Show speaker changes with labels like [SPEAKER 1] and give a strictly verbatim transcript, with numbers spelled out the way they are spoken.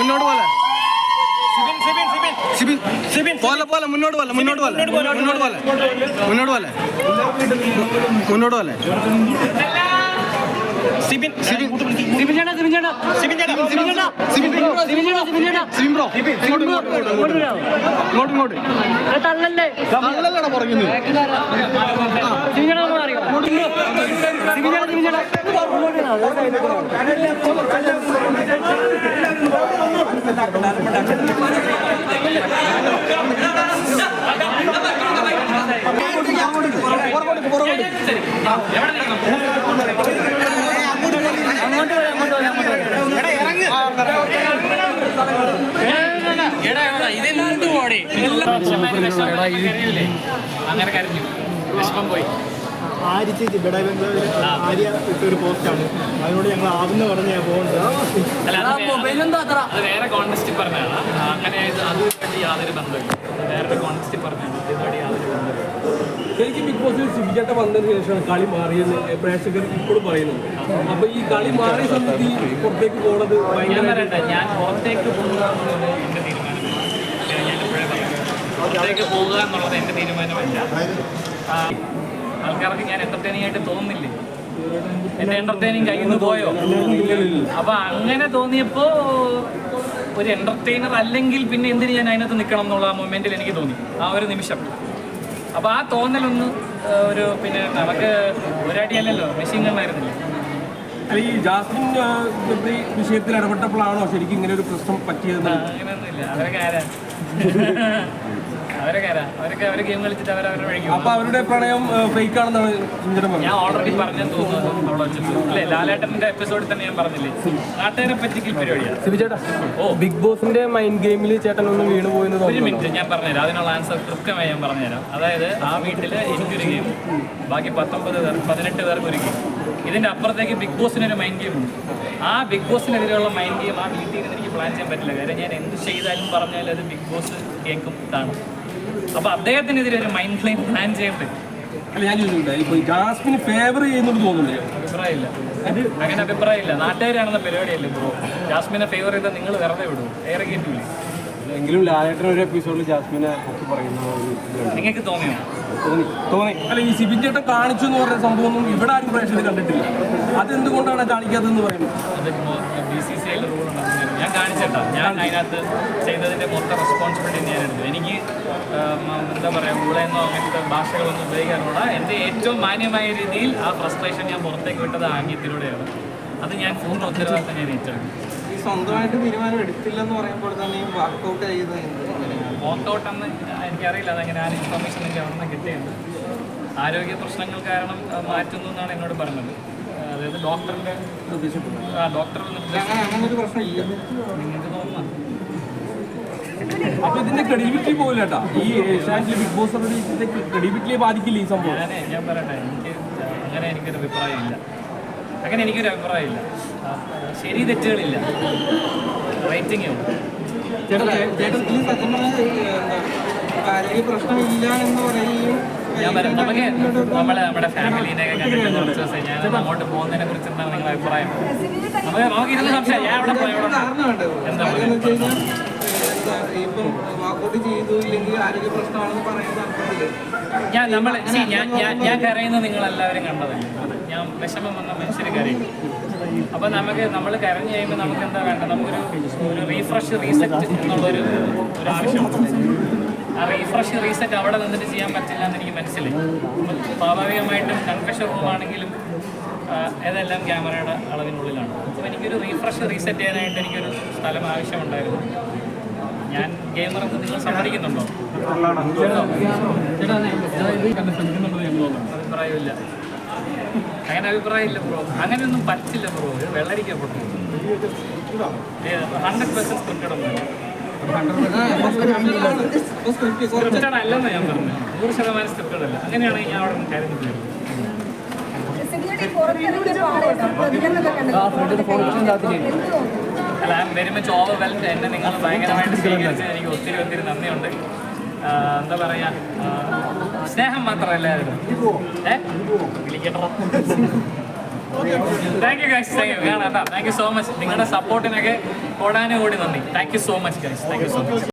[SPEAKER 1] മുന്നോട്ട് പോലെ പോലെ പോലെ മുന്നോട്ട് പോലെ മുന്നോട്ട് പോലെ മുന്നോട്ട് പോലെ മുന്നോട്ട് പോലെ മുന്നോട്ട് പോലെ സിബിൻ സിബിൻ സിബിൻ ചേട്ടാ സിബിൻ ചേട്ടാ സിബിൻ ചേട്ടാ സിബിൻ ചേട്ടാ സിബിൻ സിബിൻ ചേട്ടാ സിബിൻ ചേട്ടാ സിബിൻ ബ്രോ ഇങ്ങോട്ട് ഇങ്ങോട്ട് ഇങ്ങോട്ട് ഇങ്ങോട്ട് തള്ളല്ലേ തള്ളല്ലടാ പറയുന്നത് സിബിൻ ചേട്ടാ നമ്മൾ അറിയാം സിബിൻ ചേട്ടാ സിബിൻ ചേട്ടാ
[SPEAKER 2] അങ്ങനെ കരഞ്ഞു വിഷമം പോയി.
[SPEAKER 3] ആര്യ ചേച്ചി ബെഡ ബംഗ്ലാവിൽ ആര്യ ഇട്ടൊരു പോസ്റ്റാണ്, അതിനോട് ഞങ്ങൾ ആവുന്ന പറഞ്ഞ് ഞാൻ പോകുന്നത്.
[SPEAKER 2] അത് വേറെ കോൺടെസ്റ്റിൽ പറഞ്ഞതാണ്. അങ്ങനെ അതുമായിട്ട് യാതൊരു ബന്ധമില്ല. വേറെ കോൺടെസ്റ്റിൽ പറഞ്ഞതാണ്. ഇതുമായിട്ട് യാതൊരു ബന്ധമില്ല.
[SPEAKER 4] ശരിക്കും ബിഗ് ബോസിൽ സിബിചേട്ടൻ വന്നതിന് ശേഷമാണ് കളി മാറിയെന്ന് പ്രേക്ഷകർ ഇപ്പോഴും പറയുന്നത്. അപ്പൊ ഈ കളി മാറിയ സമയത്ത് ഈ പുറത്തേക്ക് പോകുന്നത്
[SPEAKER 2] ഞാൻ പറയട്ടെ, ഞാൻ പുറത്തേക്ക് പോകുക എന്നുള്ളത് എൻ്റെ തീരുമാനമല്ല. ഞാൻ എപ്പോഴേ പറയാം, പുറത്തേക്ക് പോകുക എന്നുള്ളത് എൻ്റെ തീരുമാനമല്ല. ആൾക്കാർക്ക് ഞാൻ എന്റർടൈനിങ് ആയിട്ട് തോന്നുന്നില്ലേ? എന്റെ എന്റർടൈനിങ് കയ്യിൽ നിന്ന് പോയോ? അപ്പൊ അങ്ങനെ തോന്നിയപ്പോ ഒരു എന്റർടൈനർ അല്ലെങ്കിൽ പിന്നെ എന്തിന് ഞാൻ അതിനകത്ത് നിൽക്കണം എന്നുള്ള ആ മൊമെന്റിൽ എനിക്ക് തോന്നി, ആ ഒരു നിമിഷം. അപ്പൊ ആ തോന്നലൊന്ന് ഒരു പിന്നെ നമുക്ക് ഒരടിയല്ലല്ലോ, മെഷീൻ ഗണ്ണായിരുന്നില്ല.
[SPEAKER 4] അല്ല, ഈ ജാസ്മിൻ വിഷയത്തിൽ ഇടപെട്ടപ്പോഴാണോ ശരിക്കും ഇങ്ങനെ ഒരു പ്രശ്നം പറ്റിയത്?
[SPEAKER 2] അങ്ങനെയൊന്നുമില്ല. അവരൊക്കെ ആരാ അവരൊക്കെ ആരാ അവരൊക്കെ അവര് ഗെയിം കളിച്ചിട്ട് അവരവരുടെ വഴിക്കും.
[SPEAKER 4] അപ്പൊ അവരുടെ പ്രണയം ഫേക്ക് ആണെന്നാണ്
[SPEAKER 2] ഞാൻ ഓൾറെഡി പറഞ്ഞെന്ന് തോന്നുന്നു അവിടെ വെച്ചിട്ട്. അല്ലേ, ലാലേട്ടന്റെ എപ്പിസോഡിൽ തന്നെ ഞാൻ പറഞ്ഞില്ലേ, നാട്ടുകാരെ പറ്റിക്കൽ പരിപാടിയാണ്.
[SPEAKER 4] ഓ, ബിഗ് ബോസിന്റെ മൈൻഡ് ഗെയിമിൽ ചേട്ടൻ ഒന്ന് വീണ് പോയെന്ന്.
[SPEAKER 2] ഒരു മിനിറ്റ് ഞാൻ പറഞ്ഞുതരാം, അതിനുള്ള ആൻസർ കൃത്യമായി ഞാൻ പറഞ്ഞുതരാം. അതായത് ആ വീട്ടിൽ എനിക്കൊരു ഗെയിം, ബാക്കി പത്തൊമ്പത് പേർ പതിനെട്ട് പേർക്ക് ഒരു ഗെയിം. ഇതിന്റെ അപ്പുറത്തേക്ക് ബിഗ് ബോസിനൊരു മൈൻഡ് ഗെയിം ഉണ്ട്. ആ ബിഗ് ബോസിനെതിരെയുള്ള മൈൻഡ് ഗെയിം ആ വീട്ടിൽ നിന്ന് എനിക്ക് പ്ലാൻ ചെയ്യാൻ പറ്റില്ല. കാര്യം ഞാൻ എന്ത് ചെയ്താലും പറഞ്ഞാലും അത് ബിഗ് ബോസ് കേൾക്കും ഇതാണ്. അപ്പൊ അദ്ദേഹത്തിനെതിരെ ഒരു മൈൻഡ് ഗെയിം പ്ലാൻ ചെയ്യട്ടെ.
[SPEAKER 4] അല്ല, ഞാൻ ചോദിച്ചിട്ടുണ്ട്, ഇപ്പൊ ജാസ്മിന് ഫേവർ ചെയ്യുന്നത് തോന്നുന്നില്ല?
[SPEAKER 2] അഭിപ്രായമില്ല, അങ്ങനെ അഭിപ്രായമില്ല. നാട്ടുകാരാണെന്ന പരിപാടിയല്ലേ ബ്രോ. ജാസ്മിനെ ഫേവർ ചെയ്താൽ നിങ്ങൾ വെറുതെ വിടും, ഏറെ കേട്ടില്ലേ?
[SPEAKER 4] എങ്കിലും ലാലേട്ടൻ ഒരു എപ്പിസോഡിൽ ജാസ്മിനെ ഒക്കെ പറയുന്ന
[SPEAKER 2] നിങ്ങൾക്ക് തോന്നിയോ?
[SPEAKER 4] തോന്നി തോന്നി അല്ല, ഈ സിബിൻ ചേട്ടൻ കാണിച്ചു എന്ന് പറഞ്ഞ സംഭവമൊന്നും ഇവിടെ ആരും പ്രേക്ഷകർ കണ്ടിട്ടില്ല. അതെന്തുകൊണ്ടാണ് കാണിക്കാത്തതെന്ന് പറയുന്നത്?
[SPEAKER 2] അത് ബി സി സി ഐയിൽ റൂൾ ഉണ്ടെന്ന് ഞാൻ കാണിച്ചേട്ടാ. ഞാൻ അതിനകത്ത് ചെയ്തതിൻ്റെ മൊത്തം റെസ്പോൺസിബിലിറ്റി ഞാൻ എടുത്തു. എനിക്ക് എന്താ പറയുക, ഊളയെന്നോ അങ്ങനത്തെ ഭാഷകളൊന്നും ഉപയോഗിക്കാനുള്ള എൻ്റെ ഏറ്റവും മാന്യമായ രീതിയിൽ ആ ഫ്രസ്ട്രേഷൻ ഞാൻ പുറത്തേക്ക് വിട്ടത് ആംഗ്യത്തിലൂടെയാണ്. അത് ഞാൻ പൂർണ്ണ ഉത്തരവാദിത്തം ഞാൻ ഏറ്റെടുക്കും.
[SPEAKER 5] സ്വന്തമായിട്ട് തീരുമാനം എടുത്തില്ലെന്ന് പറയുമ്പോൾ തന്നെ വർക്കൗട്ട് ചെയ്ത്
[SPEAKER 2] വർക്കൗട്ട് എന്ന് എനിക്കറിയില്ല. അതെങ്ങനെ ആ ഇൻഫർമേഷൻ എനിക്ക് അവിടെ നിന്ന് കിട്ടിയുണ്ട്. ആരോഗ്യ പ്രശ്നങ്ങൾ കാരണം മാറ്റുന്നു എന്നാണ് എന്നോട് പറഞ്ഞത്. അതായത് ഡോക്ടറിൻ്റെ ആ ഡോക്ടറുടെ നിർദ്ദേശം.
[SPEAKER 5] അങ്ങനൊരു പ്രശ്നമില്ല,
[SPEAKER 2] നിങ്ങൾക്ക് തോന്നുന്നു.
[SPEAKER 4] അപ്പൊ ഇതിന്റെ ക്രെഡിബിലിറ്റി പോകില്ല കേട്ടോ. ഈ ഏഷ്യാനെറ്റിലെ ബിഗ് ബോസ് ക്രെഡിബിലിറ്റിയെ ബാധിക്കില്ല ഈ സംഭവം.
[SPEAKER 2] ഞാനേ ഞാൻ പറയട്ടെ, എനിക്ക് അങ്ങനെ എനിക്കൊരു അഭിപ്രായമില്ല. അങ്ങനെ എനിക്കൊരു അഭിപ്രായമില്ല. ശരി തെറ്റുകളില്ല, റേറ്റിംഗേ ഉള്ളൂ.
[SPEAKER 5] ഈ സത്യം പറഞ്ഞാൽ ആരോഗ്യ പ്രശ്നമില്ല എന്ന് പറയുകയും
[SPEAKER 2] ഞാൻ പറയാം, നമുക്ക് നമ്മളെ നമ്മുടെ ഫാമിലീനെയൊക്കെ കണ്ടിട്ട് കുറച്ച് ദിവസം ഞാൻ അങ്ങോട്ട് പോകുന്നതിനെ കുറിച്ച് എന്താണ് നിങ്ങളുടെ അഭിപ്രായം? നമുക്ക് നമുക്ക് ഇരുന്ന് സംശയം. ഞാൻ അവിടെ പോയി
[SPEAKER 5] കാരണമുണ്ട്.
[SPEAKER 2] എന്താ
[SPEAKER 5] എന്ന് വെച്ച് കഴിഞ്ഞാൽ എന്താ ഇപ്പം വാക്കൗട്ട് ചെയ്തു ഇല്ലെങ്കിൽ ആരോഗ്യ പ്രശ്നമാണെന്ന് പറയുന്നത് അർത്ഥത്തില്
[SPEAKER 2] ഞാൻ നമ്മൾ ഞാൻ ഞാൻ ഞാൻ കരയുന്നത് നിങ്ങളെല്ലാവരും കണ്ടതല്ലേ. ഞാൻ വിഷമം വന്ന മനുഷ്യർ കരയും. അപ്പം നമുക്ക് നമ്മൾ കരഞ്ഞു കഴിയുമ്പോൾ നമുക്ക് എന്താ വേണ്ട, നമുക്കൊരു ഒരു റീഫ്രഷ് റീസെറ്റ് എന്നുള്ളൊരു ഒരു ആവശ്യമുണ്ട്. ആ റീഫ്രഷ് റീസെറ്റ് അവിടെ നിന്നിട്ട് ചെയ്യാൻ പറ്റില്ല എന്ന് എനിക്ക് മനസ്സിലായി. സ്വാഭാവികമായിട്ടും കൺഫെഷൻ റൂമാണെങ്കിലും ഏതെല്ലാം ക്യാമറയുടെ അളവിനുള്ളിലാണ്. അപ്പോൾ എനിക്കൊരു റീഫ്രഷ് റീസെറ്റ് ചെയ്യാനായിട്ട് എനിക്കൊരു സ്ഥലം ആവശ്യമുണ്ടായിരുന്നു. ഞാൻ ഗെയിമർ എന്ന് നിങ്ങൾ സമ്മതിക്കുന്നുണ്ടോ? അഭിപ്രായമില്ല, അങ്ങനെ അഭിപ്രായമില്ല ബ്രോ. അങ്ങനെയൊന്നും പറ്റില്ല ബ്രോ. ഒരു വെള്ളരിക്കപ്പെട്ടു ഹൺഡ്രഡ് പെർസെന്റ് സ്ക്രിപ്റ്റഡ് ഒന്നുമില്ല. സ്ക്രിപ്റ്റഡ് അല്ലെന്ന് ഞാൻ പറഞ്ഞു. നൂറ് ശതമാനം സ്ക്രിപ്റ്റഡ് അല്ല. അങ്ങനെയാണെങ്കിൽ ഞാൻ അവിടെ നിന്ന് കാര്യം ചെയ്യും. അല്ല, I'm very much overwhelmed. എന്നെ നിങ്ങൾ ഭയങ്കരമായിട്ട് സ്വീകരിച്ചത് എനിക്ക് ഒത്തിരി ഒത്തിരി നന്ദിയുണ്ട്. എന്താ പറയാ, സ്നേഹം മാത്രമല്ല ഏ വിളിക്കട്ടോ. Thank you guys, thank you കാണാം. Thank you so much. നിങ്ങളുടെ സപ്പോർട്ടിനൊക്കെ ഓടാനും കൂടി നന്ദി. Thank you so much guys, thank you so much.